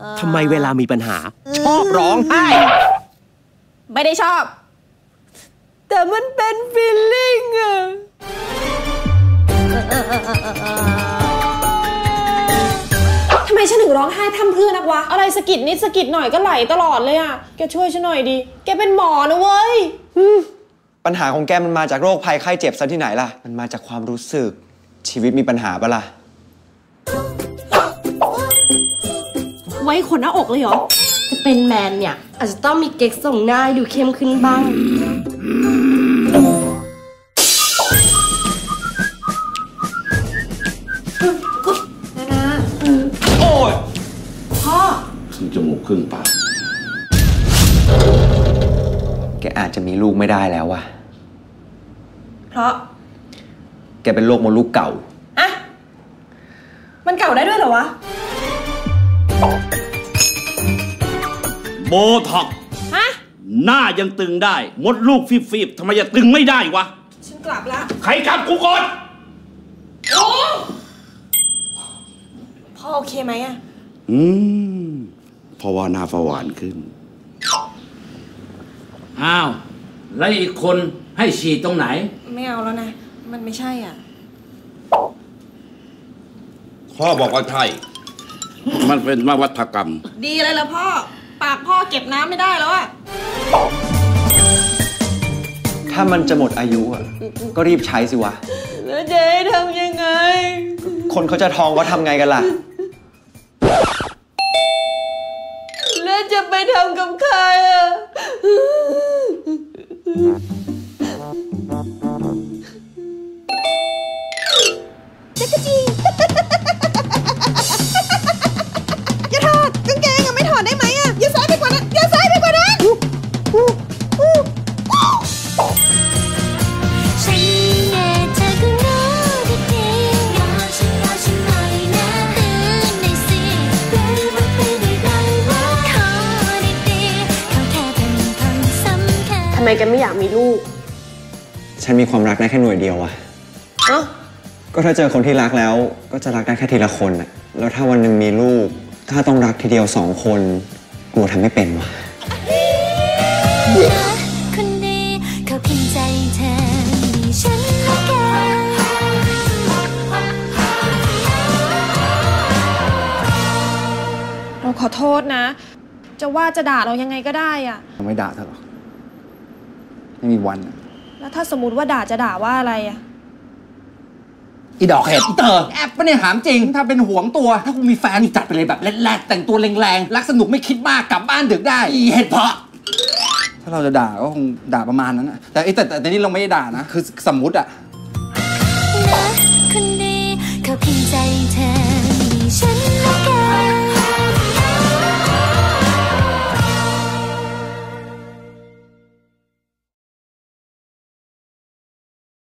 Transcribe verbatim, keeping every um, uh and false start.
ทำไมเวลามีปัญหาชอบร้องไห้ไม่ได้ชอบแต่มันเป็นฟีลลิ่งอะทำไมฉันถึงร้องไห้พร่ำเพรื่อนักวะอะไรสะกิดนิดสะกิดหน่อยก็ไหลตลอดเลยอะแกช่วยฉันหน่อยดิแกเป็นหมอนะเว้ยปัญหาของแกมันมาจากโรคภัยไข้เจ็บซะที่ไหนล่ะมันมาจากความรู้สึกชีวิตมีปัญหาปะล่ะไว้ขนหน้าอกเลยเหรอจะเป็นแมนเนี่ยอาจจะต้องมีเก๊กส่งหน้าดูเข้มขึ้นบ้างนานาโอ้ยพ่อครึ่งจมูกครึ่งปากแกอาจจะมีลูกไม่ได้แล้วว่ะเพราะแกเป็นโรคมดลูกเก่าอะมันเก่าได้ด้วยเหรอวะโบท็อกฮะหน้ายังตึงได้มดลูกฟีบๆทำไมจะตึงไม่ได้วะฉันกลับละใครกลับกูก่อนโอ้พ่อโอเคไหมอะอืมเพราะว่าหน้าฝาหวานขึ้นอ้าวแล้วอีกคนให้ฉีดตรงไหนไม่เอาแล้วนะมันไม่ใช่อ่ะพ่อบอกว่าใช่มันเป็นนวัตกรรมดีเลยล่ะพ่อปากพ่อเก็บน้ำไม่ได้แล้วอะถ้ามันจะหมดอายุอ่ะก็รีบใช้สิวะแล้วจะให้ทำยังไงคนเขาจะท้องว่าทำไงกันล่ะแล้วจะไปทำกับใครอ่ะจักรจีอย่าถอดกางเกงอะไม่ถอดได้ไหมอะอย่าซ้ายไปกว่านั้นอย่าซ้ายไปกว่านั้นทำไมแกไม่อยากมีลูกฉันมีความรักได้แค่หน่วยเดียวอะเอ้าก็ถ้าเจอคนที่รักแล้วก็จะรักได้แค่ทีละคนอะแล้วถ้าวันหนึ่งมีลูกถ้าต้องรักทีเดียวสองคนกลัวทำไม่เป็นวะคนดีเขาเพียงใจเธอมีฉันและกันเราขอโทษนะจะว่าจะด่าเรายังไงก็ได้อะไม่ด่าเธอหรอกไม่มีวันแล้วถ้าสมมติว่าด่าจะด่าว่าอะไรอะอีดอกเห็ดอีเตอร์แอบปะเนี่ยถามจริงถ้าเป็นห่วงตัวถ้ากูมีแฟนจัดไปเลยแบบแรดๆแต่งตัวแรงๆรักสนุกไม่คิดมากกลับบ้านดึกได้อีเห็ดเพาะถ้าเราจะด่าก็คงด่าประมาณนั้นนะแต่แต่แต่นี่เราไม่ได้ด่านะคือสมมุติอะ